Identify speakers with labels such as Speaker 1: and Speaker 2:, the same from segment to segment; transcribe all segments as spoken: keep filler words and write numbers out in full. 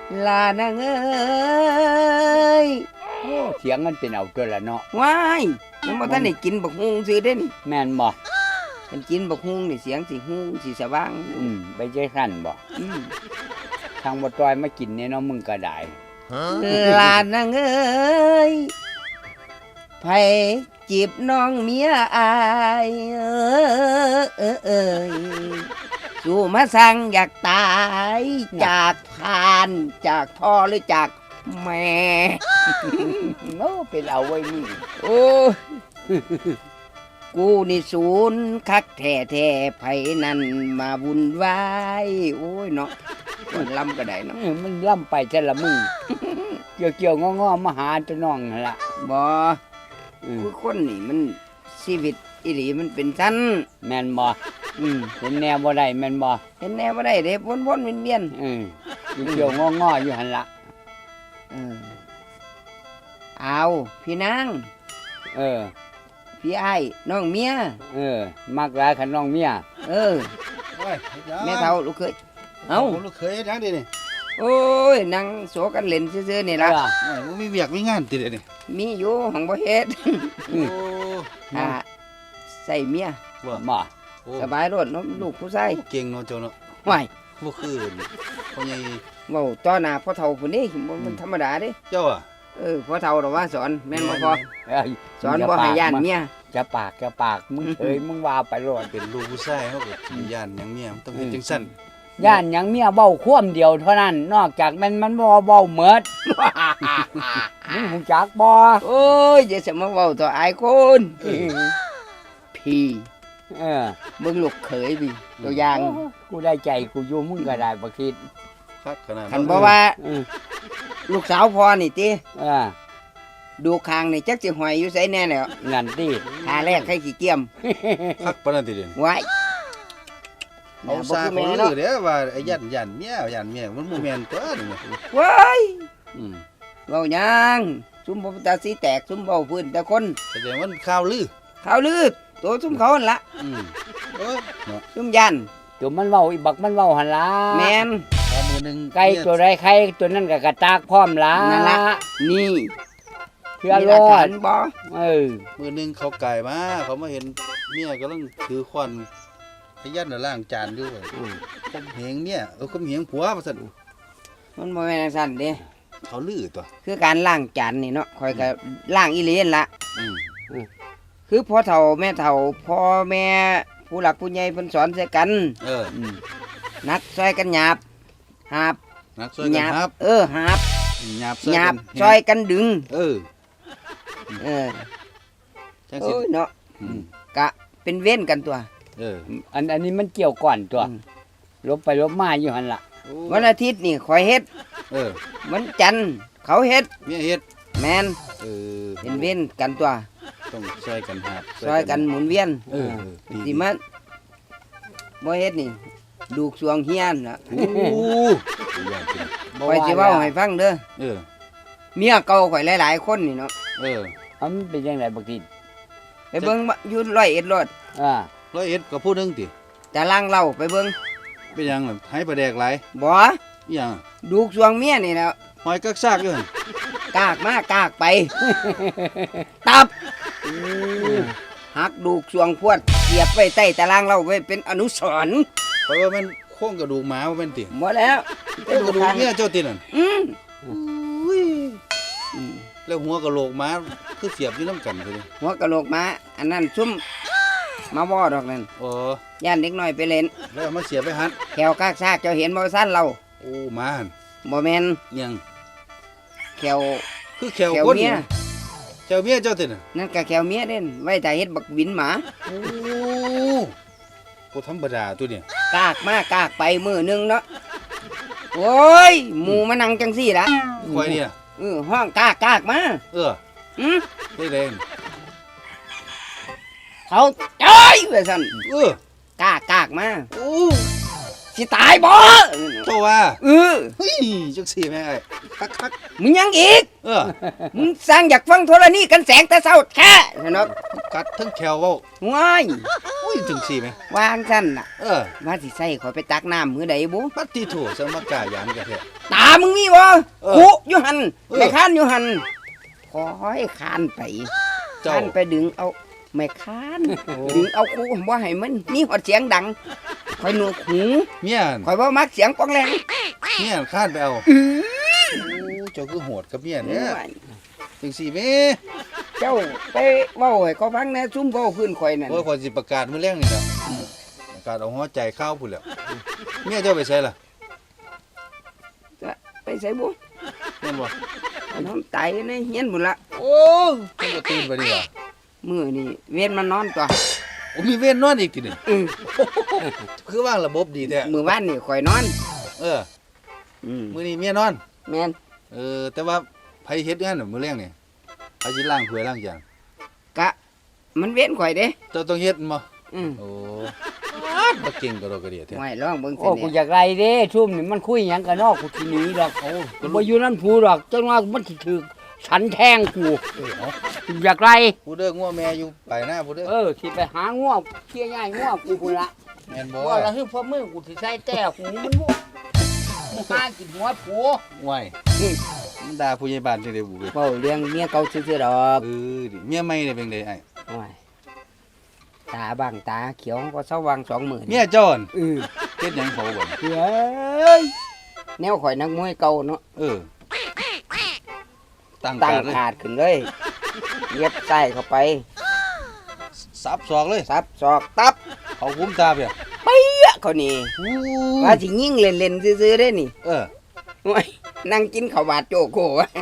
Speaker 1: ลานางเอ้ย
Speaker 2: โอ้เสียงมันเป็นเอาตัวละเนาะ
Speaker 1: ว้ายยังบ่ทันได้กินบักฮุงซื้อเด้นี่
Speaker 2: แม่นบ่
Speaker 1: มันกินบักฮุงนี่เสียงสิฮุงสิสว่าง
Speaker 2: อืมไปใจสั่นบ่
Speaker 1: อืม
Speaker 2: ทางบ่ตอยมากินเนี่ยเนาะมึงก็ได้
Speaker 1: ลานางเอ้ยไผจีบน้องเมียอายเอ้ยเอ้ยสู่มาสั่งอยากตายจากพานจากพ่อหรือจากแม่
Speaker 2: โอ้เป็นเอาไว้มึง
Speaker 1: โอ้กูนี่ศูนย์คักแท้แท้ไผนั่นมาบุญวายโอ้ยเนาะมันลำก็ได้เนาะ
Speaker 2: มันล่ำไปแต่ละมึงเกี่ยวเกี่ยวงอๆมาหาตัวน้องนั่นล่ะ
Speaker 1: บ่คือคนนี่มันชีวิตอีหลีมันเป็นชั้น
Speaker 2: แม่นบ่อืมเห็นแนวบ่ได้แม่นบ่
Speaker 1: เห็นแนวบ่ได้เด้วนๆเวียน
Speaker 2: ๆอือเกี่ยวงอๆอยู่หั่นล่ะ
Speaker 1: เออเอาพี่นาง
Speaker 2: เออ
Speaker 1: พี่อ้ายน้องเมีย
Speaker 2: เออมักหลายคันน้องเมีย
Speaker 1: เออโอ้ยแม่เฒ่าลูกเคยเอ้า
Speaker 3: ลูกเคยจังดินี่
Speaker 1: โอ้ยนั่งโสกันเล่นซื่อๆนี่ล่ะ
Speaker 3: โอ้ยบ่มีเวียกมีงานติเด้นี่
Speaker 1: มีอยู่หังบ่เฮ็ด
Speaker 3: โอ้
Speaker 1: อ่าใส่เมีย
Speaker 2: ว่าบ่
Speaker 1: สบายรถเนาะลูกผู้ชาย
Speaker 3: เก่งเนาะเจ้าเนาะ
Speaker 1: ว้าย
Speaker 3: บ่คือพ่อใหญ่
Speaker 1: เว้าต่อหน้าพ่อเฒ่าพุ่นนี่มันธรรมดาเด้
Speaker 3: เจ้าอ่ะ
Speaker 1: เออพ่อเฒ่าดอกว่าสอนแม่นบ่พ่อสอนบ่ให้ย่านเมีย
Speaker 2: จะปากจะปากมึงเอ้ยมึงว่าไปรอด
Speaker 3: เป็นลูกผู้ชายเฮาก็ย่านหยังเมียมันต้องเฮ็ดจังซั่น
Speaker 2: ย่านหยังเมียเว้าควมเดียวเท่านั้นนอกจากมันมันบ่เว้าหมดมึงฮู้จักบ่
Speaker 1: โอ้ยอย่าสิมาเว้าต่ออายคนพี่
Speaker 2: เออ
Speaker 1: มึงลูกเขยพี่ตัวอย่าง
Speaker 2: กูได้ใจกูอยู่มึงก็ได้บ่คิด
Speaker 3: คักขนาด
Speaker 1: คันบ่ว่าลูกสาวพ่อนี่ติ
Speaker 2: เออ
Speaker 1: ดูคางนี่จักสิหอยอยู่ไสแน่แล้ว
Speaker 2: นั่นติ
Speaker 1: หาแรกให้ขี้เกียม
Speaker 3: คักปานนั้นติเด้
Speaker 1: ไว้
Speaker 3: เอาซาเขาลือเด้อว่าไอ้ยันยันเมียยันเมียมันบ่แม่นตัวนี่
Speaker 1: ว้ายอืมเว้าหยังซุมบ่ตาสีแตกซุมเว้าพื้นแต่คน
Speaker 3: แสดงว่าข่าวลือ
Speaker 1: ข่าวลือตัวซุมเขาหั่นล่ะ
Speaker 3: อืมเอ้ยเนาะ
Speaker 1: ซุมยัน
Speaker 2: ตัวมันเว้าอีบักมันเว้าหั่นล่ะ
Speaker 1: แม่น
Speaker 3: มื้อนึง
Speaker 2: ไก่ตัวใดไข่ตัวนั้นก็กระตากพร้อมล่ะ
Speaker 1: นั่นล่ะนี่
Speaker 2: เพื่อรอด
Speaker 1: บ่
Speaker 2: เออ
Speaker 3: มื้อนึงเขาไก่มาเขามาเห็นเมียกำลังถือขวานไอ้ยันน่ะล้างจานอยู่อือข่มเหงเมียเออข่มเหงผัวว่าซั่น
Speaker 1: มันบ่แม่นจังซั่นเด้
Speaker 3: เขาลือตัว
Speaker 1: คือการล้างจานนี่เนาะข่อยก็ล้างอีหลีนั่นล่ะ
Speaker 3: อืม
Speaker 1: คือพ่อเฒ่าแม่เฒ่าพ่อแม่ผู้หลักผู้ใหญ่เพิ่นสอนใส่กัน
Speaker 3: เออ
Speaker 1: นักซอยกันหยาบหาบ
Speaker 3: นักซอยกันหาบ
Speaker 1: เออหาบ
Speaker 3: หยาบ
Speaker 1: หยาบซอยกันดึง
Speaker 3: เออ
Speaker 1: เออ
Speaker 3: จังซี่
Speaker 1: เนาะกะเป็นเว้นกันตัว
Speaker 2: เอออันอันนี้มันเกี่ยวก่อนตัวลบไปลบมาอยู่หั่นล่ะ
Speaker 1: วันอาทิตย์นี่ข่อยเฮ็ด
Speaker 3: เออ
Speaker 1: วันจันทร์เขาเฮ็ด
Speaker 3: เมียเฮ็ด
Speaker 1: แม่น
Speaker 3: เออ
Speaker 1: เป็นเว้นกันตัว
Speaker 3: ต้องซอยกันหาบ
Speaker 1: ซอยกันหมุนเวียน
Speaker 3: เออ
Speaker 1: สิมันบ่เฮ็ดนี่ดูกสวงเฮียนน่ะ
Speaker 3: โอ้
Speaker 1: ข่อยสิเว้าให้ฟังเด้อ
Speaker 3: เออ
Speaker 1: เมียเก่าข่อยหลายๆคนนี่เนาะ
Speaker 3: เออ
Speaker 2: มันเป็นจังได๋บักที
Speaker 1: ไปเบิ่งอยู่ร้อยเอ็ดรถ
Speaker 2: อ่า
Speaker 3: ร้อยเอ็ดก็ผู้นึงติ
Speaker 1: จะล้างเหล้าไปเบิ่ง
Speaker 3: เป็นหยังล่ะให้ปลาแดกหลาย
Speaker 1: บ่
Speaker 3: อีหยัง
Speaker 1: ดูกสวงเมียนี่แล้ว
Speaker 3: หอยกักซากอยู่หั่น
Speaker 1: กากมากกากไปตับหักดูกสวงพวดเสียบไว้ใต้ตารางเราไว้เป็นอนุสรณ์
Speaker 3: เพราะว่ามันโครงกระดูกหมาบ่แม่นติ
Speaker 1: บ่แล้ว
Speaker 3: กระดูกเมียเจ้าตินั่น
Speaker 1: อืม
Speaker 3: อุ้ยแล้วหัวกะโหลกหมาคือเสียบอยู่นำกันซื่อ
Speaker 1: หัวกะโหลกหมาอันนั้นซุ่มมาบ่ดอกนั่น
Speaker 3: อ๋
Speaker 1: อย่านเด็กน้อยไปเล่น
Speaker 3: แล้วเอามาเสียบไปหัด
Speaker 1: แขวกากซากเจ้าเห็นบ่ซั่นเรา
Speaker 3: โอ้หมาหั่น
Speaker 1: บ่แม่น
Speaker 3: ยัง
Speaker 1: แขว
Speaker 3: คือแขวคนเนี่ยแขวเมียเจ้าติน่ะ
Speaker 1: นั่นก็แขวเมียเด่นไว้ถ้าเฮ็ดบักวินหมา
Speaker 3: โอ้บ่ธรรมดาตัวนี้
Speaker 1: กากมากกากไปมื้อนึงเนาะโอ้ยหมู่มานั่งจังซี่ล่ะ
Speaker 3: ข่อยเนี่ย
Speaker 1: เออห้องกากกากมา
Speaker 3: เออ
Speaker 1: หือ
Speaker 3: ได้แรง
Speaker 1: เขาจ้อยว่าซั่น
Speaker 3: เออก
Speaker 1: ากกากมา
Speaker 3: โอ้
Speaker 1: สิตายบ่
Speaker 3: โตว่า
Speaker 1: เออ
Speaker 3: เฮ้ยจังซี่แม่ไอ้คัก
Speaker 1: ๆมึงยังอีก
Speaker 3: เออ
Speaker 1: มึงสร้างอยากฟังโทรณีกันแสงแต่เช้าแท้เนาะ
Speaker 3: กัดทั้งแขวเว้า
Speaker 1: ว้าย
Speaker 3: อุ้ยจังซี่แหม
Speaker 1: วางซั่นน่ะ
Speaker 3: เออ
Speaker 1: ว่าสิใส่ข่อยไปตักน้ำมื้อใดบุ
Speaker 3: ปัดติโถสมกายามกันแท้
Speaker 1: ตามึงมีบ่
Speaker 3: เออ
Speaker 1: คุอยู่หั่น
Speaker 3: เออ
Speaker 1: แม่ค้านอยู่หั่นขอให้คานไป
Speaker 3: เจ้า
Speaker 1: คานไปดึงเอาแม่ค้านดึงเอาคูบ่ให้มันมีฮอดเสียงดังข่อยหนวกหู
Speaker 3: เมียน
Speaker 1: ข่อยบ่มักเสียงปองแรง
Speaker 3: เมียนคาดไปเอาโอ้เจ้าคือโหดกับเมียเนี่ยจังซี่แหม
Speaker 1: เจ้าไปเว้าให้เขาฟังแหน่ซุ่มเว้าพื้นข่อยนั่น
Speaker 3: โอ้ยขอยสิประกาศมื้อแรงนี่ล่ะประกาศเอาหัวใจข้าวพุ่นแหล้วเมียเจ้าไปใส่ล่ะ
Speaker 1: จะไปใส่บุ
Speaker 3: แม่นบ่
Speaker 1: น้องตายในเฮียนบุนละ
Speaker 3: โอ้เพิ่นก็ตื่นไปดีล่ะ
Speaker 1: มือนี่เวียนมันนอนตัว
Speaker 3: โอ้มีเว้นนอนอีกทีนี่
Speaker 1: อือ
Speaker 3: คือว่างระบบดีแท้
Speaker 1: มือบ้านนี่ข่อยนอน
Speaker 3: เออ
Speaker 1: อืม
Speaker 3: มื้อนี้เมียนอน
Speaker 1: แม่น
Speaker 3: เออแต่ว่าไผเฮ็ดงานน่ะมื้อแรงนี่ไผสิล้างถ้วยล้างจาน
Speaker 1: กะ มันเวียนข่อยเด้
Speaker 3: เจ้าต้องเฮ็ดบ่
Speaker 1: อืม
Speaker 3: โอ้บ่เก่งก็ดอกกระเดียแท้
Speaker 1: ไว้ลองเบิ่ง
Speaker 2: โอ้
Speaker 1: สิ
Speaker 2: กูอ
Speaker 1: เนี่ย
Speaker 2: ยากไรเด้ชุ่มนี่มันคุยหยังกันนอกกูทีหนี้ดอกเขากูบ่อยู่นั่นผูดอกจังว่ามันสิถือฉันแทงกู
Speaker 3: เออเอา
Speaker 2: กูอยากไร
Speaker 3: ผู้เด้องัวแม่อยู่ไปหน้าผู้เด้อ
Speaker 2: เออสิไปหาง่วงเคี่ยง่ายง่วงกูพุ่นละ
Speaker 3: แม่นบ่
Speaker 2: ว่าละคือพ่อมือกูสิใส่แต้หูมันบ่มึงหากินหัวผัว
Speaker 3: ไหวมันด่าผู้ใหญ่บ้านจังได๋บุเว้ย
Speaker 1: เว้าเรื่องเมียเก่าซื่อๆดอก
Speaker 3: เออดิเมียใหม่ได้เป็นไดไอ้
Speaker 1: โอ้ยตาบางตาเขียวก็สว่างสองหมื่น
Speaker 3: เมียเจ้าอั่น
Speaker 1: เออ
Speaker 3: เฮ็ดหยังเขาบ่
Speaker 1: เฮ้ยแนวข่อยนักมวยเก่าเนาะ
Speaker 3: เออตั้ง
Speaker 1: ตั้ง
Speaker 3: การเลย
Speaker 1: ขาดขึ้นเลยเย็บใส่เข้าไป
Speaker 3: สับศอกเลย
Speaker 1: ซับศอกตับ
Speaker 3: เขาคุ้มตาเปีย
Speaker 1: เปี้ยเขานี่
Speaker 3: อู้
Speaker 1: ว่าสิยิงเล่นๆซื่อๆได้นี่
Speaker 3: เออ
Speaker 1: โอ้ยนั่งกินข้าวบาดโจโกวะ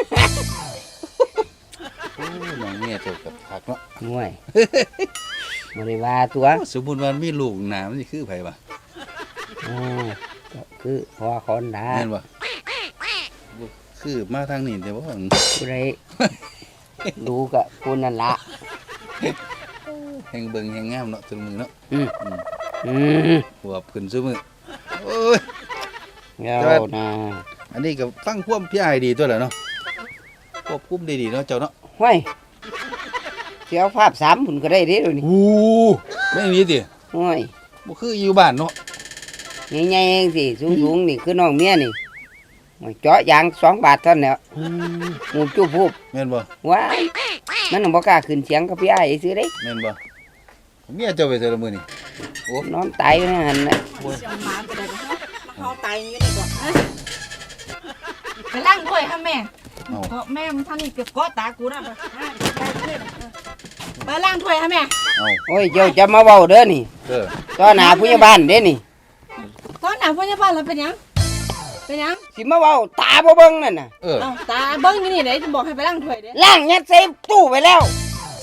Speaker 3: โอ้น้องเมียเจ้ากับคักเนาะ
Speaker 1: ห่วยบ่ได้ว่าตัว
Speaker 3: สมมุติว่ามีลูกหน้ามันสิคือไผวะ
Speaker 1: โอ้ก็คือพ่อคนดา
Speaker 3: แม่นบ่บ่คือมาทางนี้แต่ว่า
Speaker 1: ผู้ใดดูกับผู้นั่นละ
Speaker 3: แห่งเบิ่งแห่งงามเนาะถึงมือเนาะ
Speaker 1: อืม
Speaker 3: อืม
Speaker 1: อืม
Speaker 3: หัวขึ้นซุมือโอ้ย
Speaker 1: เจ้านะ
Speaker 3: อันนี้ก็ฟังความพี่อ้ายดีตัวแหละเนาะควบคุมได้ดีเนาะเจ้าเนาะ
Speaker 1: ห้วยเสียวภาพสามผุนก็ได้เด้อนี่
Speaker 3: อู้แม่นอีติ
Speaker 1: ห้วย
Speaker 3: บ่คืออยู่บ้านเนาะ
Speaker 1: ใหญ่ๆเองสิสูงๆนี่คือน้องเมียนี่โอ้ยเจาะยางสองบาทเท่านั้นแหล้วหมูจุบพูบ
Speaker 3: แม่นบ่
Speaker 1: ว้ายมันบ่กล้าขึ้นเสียงกับพี่อ้ายซื้อเด้
Speaker 3: แม่นบ่เมียเจ้าไปเทื่อละมื้อนี่
Speaker 1: นอนตายอยู่ในหันน่ะ
Speaker 4: เสียงหมาไปเลยนะเขาตายอย่างนี้ดีกว่าเอ้ยไปล้างถ้วยค่ะแม่
Speaker 3: เอ้า
Speaker 4: เพราะแม่มันท่านี่เก็บก้อตากูนะไปไปไปเลยไปล้างถ้วยค่ะแม่
Speaker 3: เอ้า
Speaker 1: โอ้ยเจ้าจะมาเว้าเด้อนี่
Speaker 3: เออ
Speaker 1: ต่อหน้าผู้ใหญ่บ้านเด้นี่
Speaker 4: ตอนหนาพยาบาลเราเป็นหยังเป็นหยัง
Speaker 1: สิมาเว้าตาบ่เบิ่งนั่นน่ะ
Speaker 3: เออ
Speaker 4: เอ้าตาเบิ้งอยู่นี่เดี๋ยวจะบอกให้ไปล้างถ้วยเด้
Speaker 1: ล้างยัดใส่ตู้ไปแล้ว
Speaker 4: แส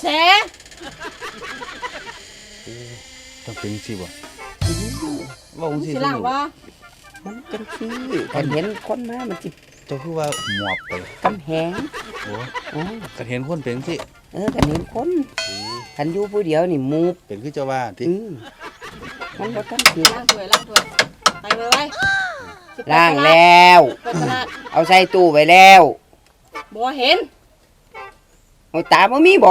Speaker 3: ต้องเป็นสิบ่เว้าจังซี่
Speaker 4: สิล้างบ่
Speaker 1: มันจังซี่คันเห็นคนมามันสิ
Speaker 3: เจ้าคือว่าหมอบไป
Speaker 1: กำแหง
Speaker 3: โอ้
Speaker 1: โอ้
Speaker 3: ก็เห็นคนเป็นสิ
Speaker 1: เออคันเห็นคนคันอยู่ผู้เดียวนี่หมู
Speaker 3: เป็นคือเจ้าว่าติ
Speaker 1: อือมันบ่ทันสิ
Speaker 4: ล้างถ้วยล้างถ้วยไปไปไปสิไป
Speaker 1: ล้าง
Speaker 4: ตด
Speaker 1: แล้ว
Speaker 4: ไปตลาด
Speaker 1: เอาใส่ตู้ไว้แล้ว
Speaker 4: บ่เห็น
Speaker 1: โอ้ยตาบ่มีบ่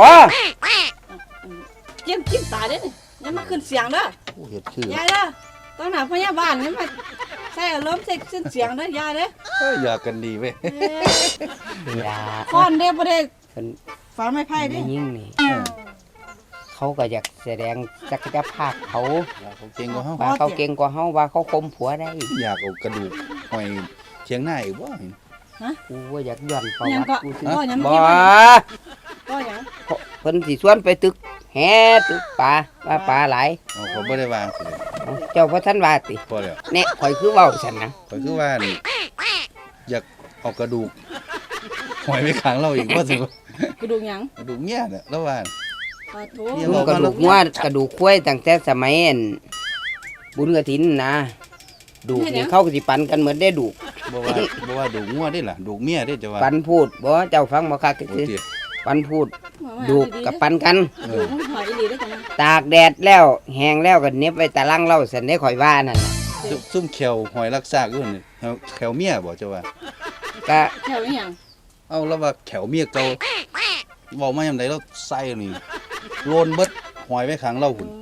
Speaker 4: เจิ้มจิ้มตาเด้นี่อยังมาขึ้นเสียงเด้อ
Speaker 3: โอ้เฮ็ดคือย
Speaker 4: ายเด้อตอนหนาพยาบาลนี่มาใส่อารมณ์ใส่เส้นเสียงเด้อยายเด้อ
Speaker 3: เอ้ยอยากกันดีเว้ย
Speaker 4: เอ้ย
Speaker 1: อย่า
Speaker 4: ค้อนเด้อบ่ได้
Speaker 1: เพิ่น
Speaker 4: ฝาไม้ไผ่เด้
Speaker 1: ไม่ยิ่งนี่ เขาก็อยากแสดงศักยภาพเขา
Speaker 3: อยากเขาเก่งกว่าเฮา
Speaker 1: ว่าเขาเก่งกว่าเฮาว่าเขาคมผัวได้
Speaker 3: อยากเอากระดูกหอยเชียงหน้าอีกบ่
Speaker 1: กูว่าอยากย้อนประ
Speaker 4: ยัง
Speaker 1: วัติ
Speaker 4: ก็
Speaker 1: กูสิ
Speaker 4: ก็ยัง
Speaker 1: บ่
Speaker 4: เมื่อกี้ว่าก็ยัง
Speaker 1: เพิ่นสิชวนไปตึกแห่ตึกปลาว่าปลาหลาย
Speaker 3: เอาเขาบ่ได้วางสิ
Speaker 1: เอ้าเจ้าพ่อท่านว่าติ
Speaker 3: พอแล้ว
Speaker 1: แน่ข่อยคือเว้าซั่นนะ
Speaker 3: ก็คือว่านี่อยากเอากระดูกหอยไปขังเราอีกว่าสิ
Speaker 4: กระดูกหยัง
Speaker 3: กระดูกเงี้ยเนี่ยแล้วว่า
Speaker 4: ปลาโถ
Speaker 3: เดี๋
Speaker 1: มึ
Speaker 3: ยว
Speaker 1: งกระดูกงัวกระดูกควายตั้งแต่สมัยอันบุญกฐินนะดูกนี่เขาก็สิปันกันเหมือนได้ดูก
Speaker 3: บ่ว่าบ่ว่าดูกงัวได้ล่ะดูกเมียได้จะว่า
Speaker 1: ปันพูดบ่เจ้าฟังบ่คัก
Speaker 3: โอ้
Speaker 1: คือ
Speaker 3: ติ
Speaker 1: ปันพูดดูกกับปันกัน
Speaker 3: เอ
Speaker 4: ดู
Speaker 3: อก
Speaker 4: มันหอยอีหลีได้จังนะ
Speaker 1: ตากแดดแล้วแห้งแล้วก็เหน็บไว้ตะลังเล่าสันได้ข่อยว่านั่นน่ะ
Speaker 3: ซุ่มซุ่มแขวหอยรักษากอยู่นี่แขวแขวเมียบ่จะว่า
Speaker 1: ก็
Speaker 4: แถวอีหยัง
Speaker 3: เอาแล้วว่าแขวเมียเก่าเว้ามายามใดเราใส่นี่โลนเบิดหอยไว้ขังเราพุ่น
Speaker 4: ถ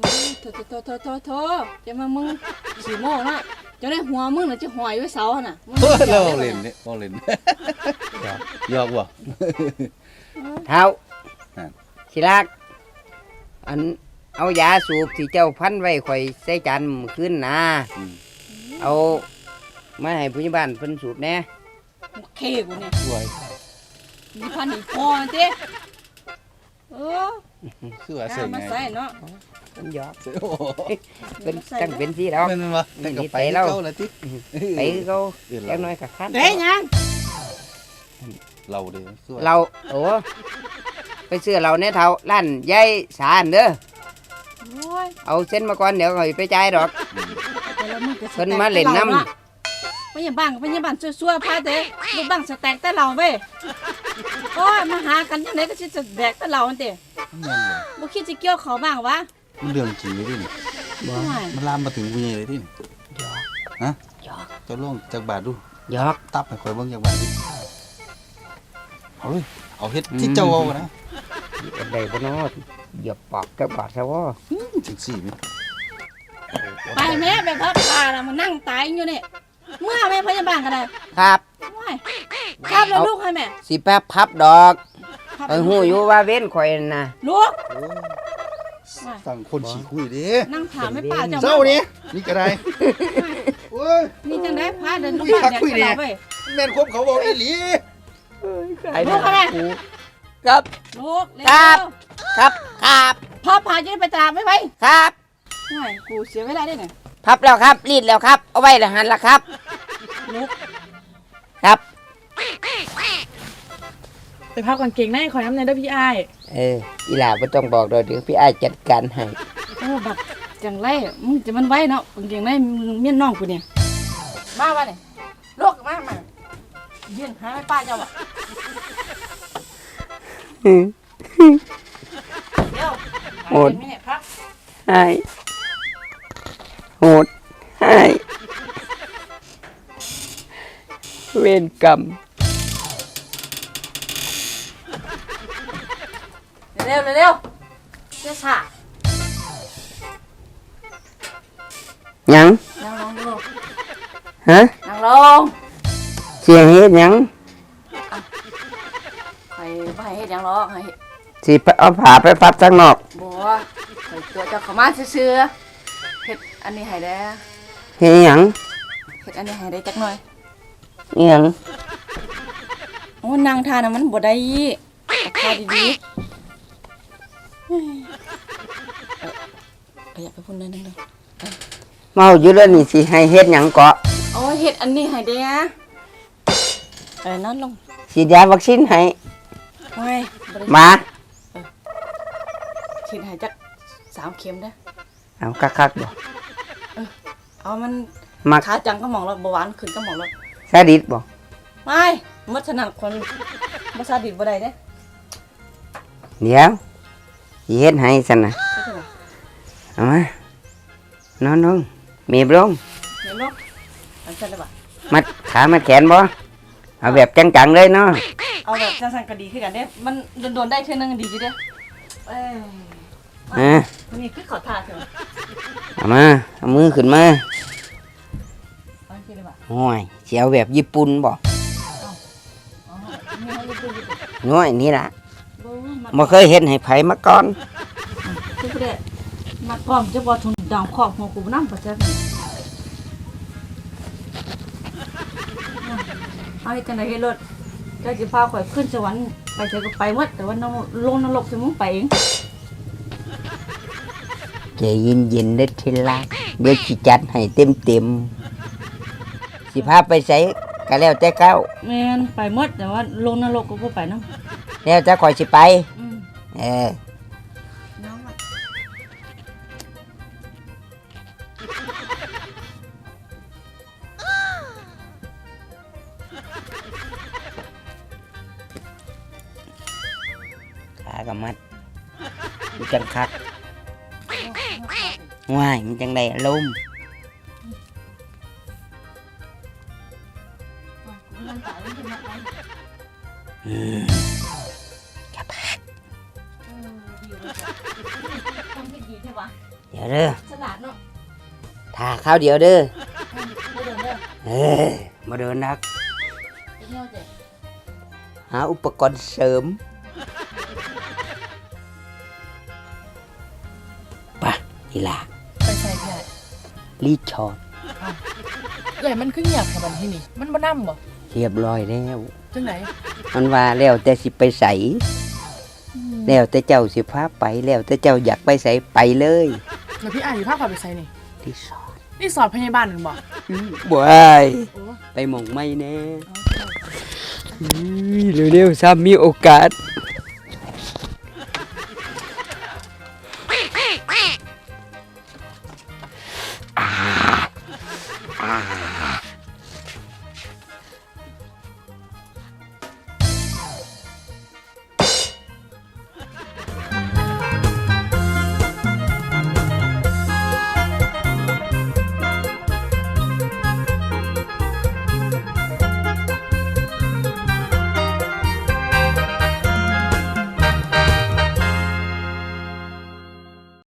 Speaker 4: โถโถโถโถโถจะมามึงขี่โม่เนาะจะได้หัวมึงน่ะจะหอยไว้เสาน่ะ
Speaker 3: เฮ้ยเราเล่นเนี่ยเราเล่นยอกว่ะ
Speaker 1: เท้า
Speaker 3: อ่า
Speaker 1: สิรักอันเอายาสูบที่เจ้าพันไว้ข่อยใส่จานมื้อคืนนะเอามาให้ผู้ใหญ่บ้านเพิ่นสูบแหน่
Speaker 4: เคกูเนี่ย
Speaker 3: สวย
Speaker 4: มีพันอีกพอเจ้เออ
Speaker 3: คือว่า
Speaker 4: เอา
Speaker 3: ใส่
Speaker 4: มา
Speaker 3: ไง
Speaker 4: ใส่เนาะ
Speaker 1: เพิ่นหยอก
Speaker 3: โอ้โห
Speaker 1: เป็นจังเป็นสิแล้ว
Speaker 3: เป็นวะแต่ก็ไป
Speaker 1: ไปแล้
Speaker 3: เล่าว ละติ
Speaker 1: ไปคือเขาจักหน้อยก็คัน
Speaker 4: เด้ยัง
Speaker 3: เราเด้อคือว่า
Speaker 1: เราโอ้ไปซื้อเราเนี่ยเท่าร้านยายสารเด้อ
Speaker 4: โอ้ย
Speaker 1: เอาเส้นมาก่อนเดี๋ยวข่อยไปจ่ายดอก
Speaker 4: แต่ละมึงก็ส
Speaker 1: เพิ่น
Speaker 4: แต็ก
Speaker 1: มาเล่นน้ำ
Speaker 4: แต่ราะไปยังบ้านไปยังบ้านซัวๆพาเด้ลูกบ้านสแต็กแต่เราเว้ยโอ้ยมาหากันจังไดก็สิสแต็กแต่เราอันเด้
Speaker 3: มันยังเลย
Speaker 4: บ่คิดสิเกี่ยวเขาบ้างวะ
Speaker 3: มันเรื่องจริงเลยที่นี่
Speaker 4: โอ้ย
Speaker 3: มันลามมาถึงกูใหญ่เลยที่นี่ฮะเจะลองจากบาทดู
Speaker 1: หยอก
Speaker 3: ตับให้ข่อยเบิ่งจากบาทดิเอาเลยเอาเฮ็ดที่เจ้าเอานะ
Speaker 1: อันใดบ่เนอเหยียบปากกับบาดซะว่า
Speaker 3: ถึงสี่ไหม
Speaker 4: ไปแม่ไปพับผ้าน่ะมานั่งตายอยู่นี่เมื่อแม่พยาบาลก็ได้
Speaker 1: ครับ
Speaker 4: โอ้ยครับแล้วลูกให้แม่
Speaker 1: สิแป๊บพับดอก
Speaker 4: ครับ
Speaker 1: เอ้ยฮู้อยู่ว่าเว้นข่อยนั่นน่ะ
Speaker 4: ลูก
Speaker 3: โอ้สั่งคนฉี่คุยเด้
Speaker 4: นั่งถามไม่ป้าเจ้า
Speaker 3: เศร้านี่นี่ก็ได้โอ้ย
Speaker 4: นี่จังได้พาเดินลูก
Speaker 3: คุย
Speaker 4: บ้าน
Speaker 3: คัก
Speaker 4: แดก
Speaker 3: คุย
Speaker 4: กับ
Speaker 3: เนี่ย
Speaker 4: เราเว้ย
Speaker 3: แม่นครบเขาบอกอีหลี
Speaker 1: ไอ้
Speaker 4: ลูกอะไร
Speaker 1: ครับ
Speaker 4: ลูกเร็ว
Speaker 1: ครับ ครับครับ
Speaker 4: พ่อพาจะได้ไปตลาดไหมไป
Speaker 1: ครับ
Speaker 4: โอ้ยกูเสียเวลาได้เนี่ย
Speaker 1: พับแล้วครับรีดแล้วครับเอาไว้แล้วหันละครับ
Speaker 4: ลูก
Speaker 1: ครับ
Speaker 5: ไปพับกางเกงในขอน้ำในด้วยพี่อ้าย
Speaker 1: เอออีหลาบ่ต้องบอกดอกเดี๋ยวพี่อ้ายจัดการให้
Speaker 4: โอ้บักจังไรมึงจะมันไว้เนาะกางเกงในมึงเมียนน้องกูเนี่ยมาวะเนี่ยลูกมามายืนหาไม่ป้าเจ้าอ่ะเดี๋ยวหาเงินไหมเนี่ยครับ
Speaker 1: ให้โหดให้เวรกรรม
Speaker 4: เร็วเร็วเร็วเจ้าสา
Speaker 1: หยัง
Speaker 4: นั่งลงดู
Speaker 1: ฮะ
Speaker 4: นั่งลง
Speaker 1: เสียงเฮ็ดหยัง
Speaker 4: ใครไปเฮ็ดหยังหรอกให้
Speaker 1: สิไปเอาผ้าไปพับข้างนอก
Speaker 4: บัวใครตัวเจ้าเขามาซื่อๆเฮ็ดอันนี้ให้ได้
Speaker 1: เฮ็ดหยัง
Speaker 4: เฮ็ดอันนี้ให้ได้จักหน่อย
Speaker 1: อิหยัง
Speaker 4: โอ้นางทานน่ะมันบ่ได้เอาข้าวดีๆเฮ้ยเอ่อขยับไปพุ่นได้นึงเด้อ
Speaker 1: เมาอยู่แล้วนี่สิให้เฮ็ดหยังเกาะ
Speaker 4: โอ้ยเฮ็ดอันนี้ให้ได้อะเอ้ยนอนลง
Speaker 1: ฉีดยาวัคซีนให้
Speaker 4: โอ้ยบ่ได้
Speaker 1: มา
Speaker 4: ฉีดให้จักสามเข็มเด้อ
Speaker 1: เอาคักๆบ่
Speaker 4: เอามัน
Speaker 1: มัก
Speaker 4: ขาจังก็หมองแล้วเบาหวานขึ้นก็หมองแล้ว
Speaker 1: ซาดิสบ่
Speaker 4: ไม่มัถนัดคนบ่ซาดิสบ่ได้เด้
Speaker 1: เดี๋ยวสิเฮ็ดให้ซั่นน่ะ
Speaker 4: ไม่ใช่หรอ
Speaker 1: เอามานอนลงเมีบลง
Speaker 4: เห็นบ่อันซั่นได้บ่
Speaker 1: มัดขามัดแขนบ่เอาแบบจังๆเลยเนาะ
Speaker 4: เอาแบบสั้นๆก็ดีคือกันเด้มันโดนๆได้เทื่อนึงดีอยู่เด้เอ้ย
Speaker 1: อ่า
Speaker 4: นี่คือขอทาเถอะ
Speaker 1: เอามาเอามือขึ้นมา
Speaker 4: เอาสิได้บ่
Speaker 1: โอ้ยสิเอาแบบญี่ปุ่นบ่
Speaker 4: อ๋อมีให้ดูอยู่
Speaker 1: น้อยนี่ล่ะ
Speaker 4: บ่มา
Speaker 1: บ่เคยเฮ็ดให้ไผมาก่อน
Speaker 4: คือบ่ได้มาพร้อมจะบ่ทุนดาวครอบหัวกูนำบ่จักเอาจังได๋ให้รถเจ้าสิพาข่อยขึ้นสวรรค์ไปเจอก็ไปหมดแต่ว่าน้องลงนรกสิมึงไปเอง
Speaker 1: ใจเย็นๆเด้อทีละเดี๋ยวสิจัดให้เต็มๆสิพาไปไสก็แล้วแต่เก้า
Speaker 4: แม่นไปหมดแต่ว่าลงนรกก็บ่ไปนำ
Speaker 1: แล้วแต่ข่อยสิไป
Speaker 4: อืม
Speaker 1: เออ
Speaker 4: น้องอะ
Speaker 1: ขาก็มัดมันจังคักว้ายมันจังได้อารมณ์
Speaker 4: มันตายมันจะมาไป
Speaker 1: อืม
Speaker 4: เออดีเลยจ้ะทำให้ดีใช่ปะ
Speaker 1: เดี๋ยวเด้อ
Speaker 4: ฉลาดเนาะ
Speaker 1: ถ่าข้าวเดียวเด้อ
Speaker 4: บ่เดินเด้อ
Speaker 1: เออมาเดินนัก
Speaker 4: ไปเที่ยวเจ้
Speaker 1: หาอุปกรณ์เสริมปะนี่ล่ะ
Speaker 5: ไปใส่พี่อ้าย
Speaker 1: รีดช็อต
Speaker 5: เอ้ยมันคือเงียบแค่บัดที่นี่มันบ่นำบ่
Speaker 1: เรียบร้อยแล้ว
Speaker 5: จังได
Speaker 1: มันว่าแล้วแต่สิไปใสแล้วแต่เจ้าสิพาไปแล้วแต่เจ้าอยากไปใสไปเลย
Speaker 5: แล้วพี่อ้ายอยู่ภาคขอไปใส่นี่
Speaker 1: รีสอร์ท
Speaker 5: นี่สอบพยาบาลนั่นบ่
Speaker 1: บ่ไอ้
Speaker 5: โอ้
Speaker 1: ไปหมองไม่แน่เร็วๆซ้ำมีโอกาส